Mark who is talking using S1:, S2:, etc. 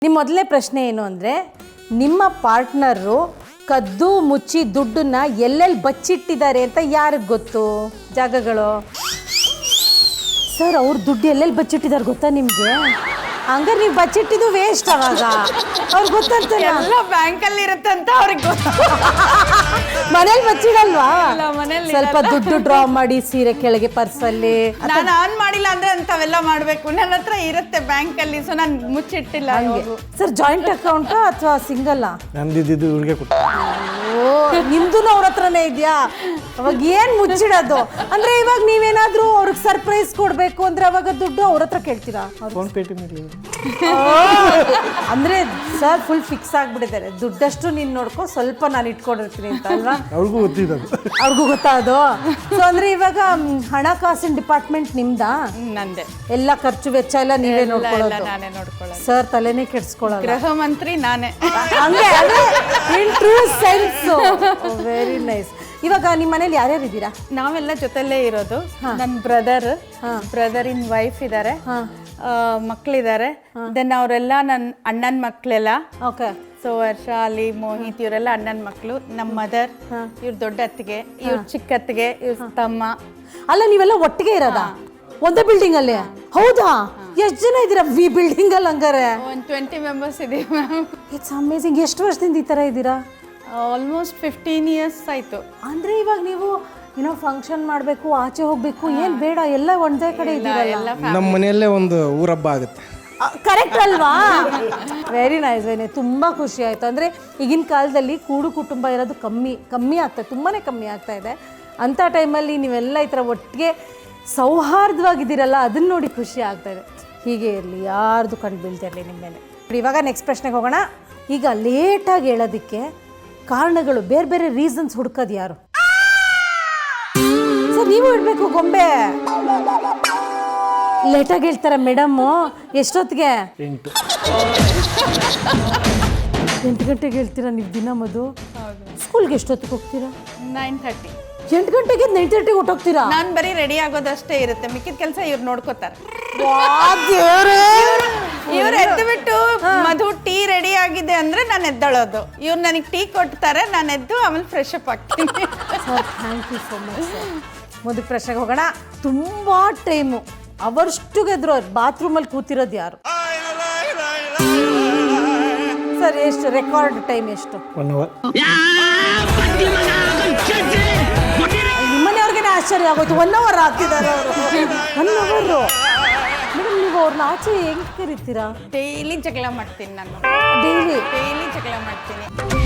S1: ನಿಮ್ಮ ಮೊದಲನೇ ಪ್ರಶ್ನೆ ಏನು ಅಂದರೆ, ನಿಮ್ಮ ಪಾರ್ಟ್ನರು ಕದ್ದು ಮುಚ್ಚಿ ದುಡ್ಡನ್ನ ಎಲ್ಲೆಲ್ಲಿ ಬಚ್ಚಿಟ್ಟಿದ್ದಾರೆ ಅಂತ ಯಾರಿಗೆ ಗೊತ್ತು? ಜಾಗಗಳು ಸರ್, ಅವ್ರ ದುಡ್ಡು ಎಲ್ಲೆಲ್ಲಿ ಬಚ್ಚಿಟ್ಟಿದ್ದಾರೆ ಗೊತ್ತಾ ನಿಮಗೆ? ಹಂಗಾರೆ ನೀವು ಬಚ್ಚಿಟ್ಟಿದ್ದು ವೇಸ್ಟ್. ಅವಾಗ ಅವ್ರಿಗೆ ಗೊತ್ತಂತ
S2: ಎಲ್ಲ ಬ್ಯಾಂಕಲ್ಲಿ ಇರುತ್ತೆ ಅಂತ ಅವ್ರಿಗೆ ಗೊತ್ತು.
S1: ಮನೇಲಿ ಬಚ್ಚಿಡಲ್ವಾ?
S2: ಮನೇಲಿ
S1: ಸ್ವಲ್ಪ ದುಡ್ಡು ಡ್ರಾ ಮಾಡಿ ಸೀರೆ ಕೆಳಗೆ ಪರ್ಸಲ್ಲಿ.
S2: ನಾನು ಆನ್ ಮಾಡಿಲ್ಲ ಅಂದ್ರೆ ಅಂತವೆಲ್ಲ ಮಾಡ್ಬೇಕು. ನನ್ನ ಹತ್ರ ಇರುತ್ತೆ ಬ್ಯಾಂಕಲ್ಲಿ, ಸೊ ನಾನು ಮುಚ್ಚಿಟ್ಟಿಲ್ಲ.
S1: ಸರ್, ಜಾಯಿಂಟ್ ಅಕೌಂಟಾ ಅಥವಾ ಸಿಂಗಲ್?
S3: ನಂದಿದ್ದು ಇವ್ರಿಗೆ ಕೊಟ್ಟು.
S1: ಓ, ನಿಮ್ದು ಅವ್ರ ಹತ್ರನೇ ಇದೆಯಾ? ಅವಾಗ ಏನ್ ಮುಚ್ಚಿಡೋದು ಅಂದ್ರೆ, ಇವಾಗ ನೀವೇನಾದ್ರೂ ಅವ್ರಿಗೆ ಸರ್ಪ್ರೈಸ್ ಕೊಡ್ಬೇಕು ಅಂದ್ರೆ ಅವಾಗ ದುಡ್ಡು ಅವ್ರ ಹತ್ರ ಕೇಳ್ತೀರಾ?
S3: ಫೋನ್ ಪೇಟಿನಲ್ಲಿ
S1: ಅಂದ್ರೆ ಸರ್ ಫುಲ್ ಫಿಕ್ಸ್ ಆಗ್ಬಿಟ್ಟಿದ್ದಾರೆ, ದುಡ್ಡಷ್ಟು ನೀನ್ ನೋಡ್ಕೊ, ಸ್ವಲ್ಪ ನಾನು ಇಟ್ಕೊಂಡಿರ್ತೀನಿ ಅಂತ ಅಲ್ವಾ?
S3: ಅವ್ರಿಗೂ ಗೊತ್ತಿದ್ದು,
S1: ಅವ್ರಿಗೂ ಗೊತ್ತಾ ಅದು? ಸೊ ಅಂದ್ರೆ ಇವಾಗ ಹಣಕಾಸಿನ ಡಿಪಾರ್ಟ್ಮೆಂಟ್ ನಿಮ್ದಾ?
S2: ನಂದೆ.
S1: ಎಲ್ಲ ಖರ್ಚು ವೆಚ್ಚ ಎಲ್ಲ ನೀವೇ ನೋಡ್ಕೊಳ್ಳೋದು?
S2: ನಾನೇ ನೋಡ್ಕೊಳ್ಳೋದು.
S1: ಸರ್ ತಲೆನೇ ಕೆಡ್ಸ್ಕೊಳ್ಳೋದು.
S2: ಗೃಹ ಮಂತ್ರಿ ನಾನೇ.
S1: ಹಂಗೆ in true sense. Very nice. ಇವಾಗ ನಿಮ್ಮ ಮನೇಲಿ ಯಾರ್ಯಾರು ಇದ್ದೀರಾ?
S2: ನಾವೆಲ್ಲ ಜೊತೆಲೇ ಇರೋದು. ನನ್ನ ಬ್ರದರ್ ಇನ್ ವೈಫ್ ಇದ್ದಾರೆ, ಮಕ್ಕಳಿದ್ದಾರೆ. ದೆನ್ ಅವರೆಲ್ಲ ನನ್ನ ಅಣ್ಣನ ಮಕ್ಕಳೆಲ್ಲ.
S1: ಓಕೆ.
S2: ಸೊ ವರ್ಷ, ಅಲಿ, ಮೋಹಿತ್ ಇವರೆಲ್ಲ ಅಣ್ಣನ ಮಕ್ಕಳು. ನಮ್ಮ ಮದರ್, ಇವ್ರ ದೊಡ್ಡ ಅತ್ತಿಗೆ, ಇವ್ರ ಚಿಕ್ಕ ಅತ್ತಿಗೆ, ಇವ್ರ ತಮ್ಮ.
S1: ಅಲ್ಲ, ನೀವೆಲ್ಲ ಒಟ್ಟಿಗೆ ಇರೋದಾ ಒಂದೇ ಬಿಲ್ಡಿಂಗ್ ಅಲ್ಲಿ? ಹೌದಾ? ಎಷ್ಟು ಜನ ಇದ್ದೀರಾ ಈ ಬಿಲ್ಡಿಂಗ್ ಅಲ್ಲಿ? ಹಂಗಾರೆ
S2: ಒಂದು 20 ಮೆಂಬರ್ಸ್ ಇದೀವಿ ಮ್ಯಾಮ್.
S1: It's amazing. ಎಷ್ಟು ವರ್ಷದಿಂದ ಈ ತರ ಇದ್ದೀರಾ?
S2: ಆಲ್ಮೋಸ್ಟ್ 15 years ಆಯ್ತು.
S1: ಅಂದ್ರೆ ಇವಾಗ ನೀವು ಏನೋ ಫಂಕ್ಷನ್ ಮಾಡಬೇಕು, ಆಚೆ ಹೋಗ್ಬೇಕು, ಏನ್ ಬೇಡ, ಎಲ್ಲ ಒಂದೇ ಕಡೆ ಇದ್ದೀರಲ್ಲ?
S3: ನಮ್ಮ ಮನೆಯಲ್ಲೇ ಒಂದು ಊರಬ್ಬ ಆಗುತ್ತೆ.
S1: ಕರೆಕ್ಟ್ ಅಲ್ವಾ? Very nice. ತುಂಬ ಖುಷಿ ಆಯಿತು. ಅಂದರೆ ಈಗಿನ ಕಾಲದಲ್ಲಿ ಕೂಡು ಕುಟುಂಬ ಇರೋದು ಕಮ್ಮಿ ಆಗ್ತಾಯಿದೆ, ತುಂಬಾ ಕಮ್ಮಿ ಆಗ್ತಾ ಇದೆ. ಅಂಥ ಟೈಮಲ್ಲಿ ನೀವೆಲ್ಲ ಈ ಥರ ಒಟ್ಟಿಗೆ ಸೌಹಾರ್ದವಾಗಿದ್ದೀರಲ್ಲ, ಅದನ್ನು ನೋಡಿ ಖುಷಿ ಆಗ್ತಾಯಿದೆ. ಹೀಗೆ ಇರಲಿ, ಯಾರ್ದು ಕಣ್ಣು ಬೀಳ್ತಿರಲಿ ನಿಮ್ಮ ಮೇಲೆ. ಇವಾಗ ನೆಕ್ಸ್ಟ್ ಪ್ರಶ್ನೆಗೆ ಹೋಗೋಣ. ಈಗ ಲೇಟಾಗಿ ಹೇಳೋದಕ್ಕೆ ಕಾರಣಗಳು, ಬೇರೆ ಬೇರೆ ರೀಸನ್ಸ್ ಹುಡ್ಕೋದು ಯಾರು? ಸರ್, ನೀವು ಇಡಬೇಕು ಗೊಂಬೆ. ಲೇಟಾಗಿ ಹೇಳ್ತಾರ ಮೇಡಮ್ಮು. ಎಷ್ಟೊತ್ತಿಗೆ? 8 ಗಂಟೆಗೆ ಹೇಳ್ತೀರಾ ನೀವು ದಿನ? ಮಧು, ಸ್ಕೂಲ್ಗೆ ಎಷ್ಟೊತ್ತಿಗೆ ಹೋಗ್ತೀರಾ?
S2: 9:30.
S1: 8 ಗಂಟೆಗೆ 9:30 ಹೊಟ್ಟೋಗ್ತೀರಾ?
S2: ನಾನು ಬರೀ ರೆಡಿ ಆಗೋದಷ್ಟೇ ಇರುತ್ತೆ, ಮಿಕ್ಕಿದ ಕೆಲಸ ಇವ್ರು ನೋಡ್ಕೋತಾರೆ. ಇವ್ರು ಎದ್ದು ಬಿಟ್ಟು ಮಧು ಟೀ ರೆಡಿ ಆಗಿದೆ ಅಂದ್ರೆ ನಾನು ಎದ್ದಳೋದು. ಇವ್ರು ನನಗೆ ಟೀ ಕೊಡ್ತಾರೆ, ನಾನು ಎದ್ದು ಆಮೇಲೆ ಫ್ರೆಶ್ ಅಪ್ ಆಗ್ತೀನಿ.
S1: Sir, thank you so much sir. ಮುಂದಕ್ಕೆ ಪ್ರಶ್ನೆಗೆ ಹೋಗೋಣ. ತುಂಬ ಟೈಮು ಅವರ್ಷ್ಟುಗೆದ್ರು ಬಾತ್ರೂಮಲ್ಲಿ ಕೂತಿರೋದು ಯಾರು? ಸರ್, ಎಷ್ಟು ರೆಕಾರ್ಡ್ ಟೈಮ್ ಎಷ್ಟು?
S3: 1 hour.
S1: ನಿಮ್ಮನೆಯವ್ರಿಗೇನೆ ಆಶ್ಚರ್ಯ ಆಗೋಯ್ತು, 1 hour ಹಾಕಿದ್ದಾರೆ ಅವರು. 1 hour. ಮೇಡಮ್, ನೀವು ಅವ್ರನ್ನ ಆಚೆ ಹೆಂಗೆ ಕರಿತೀರಾ?
S2: ಡೈಲಿ ಜಗಳ ಮಾಡ್ತೀನಿ ನಾನು.
S1: ಡೈಲಿ
S2: ಜಗಳ ಮಾಡ್ತೀನಿ.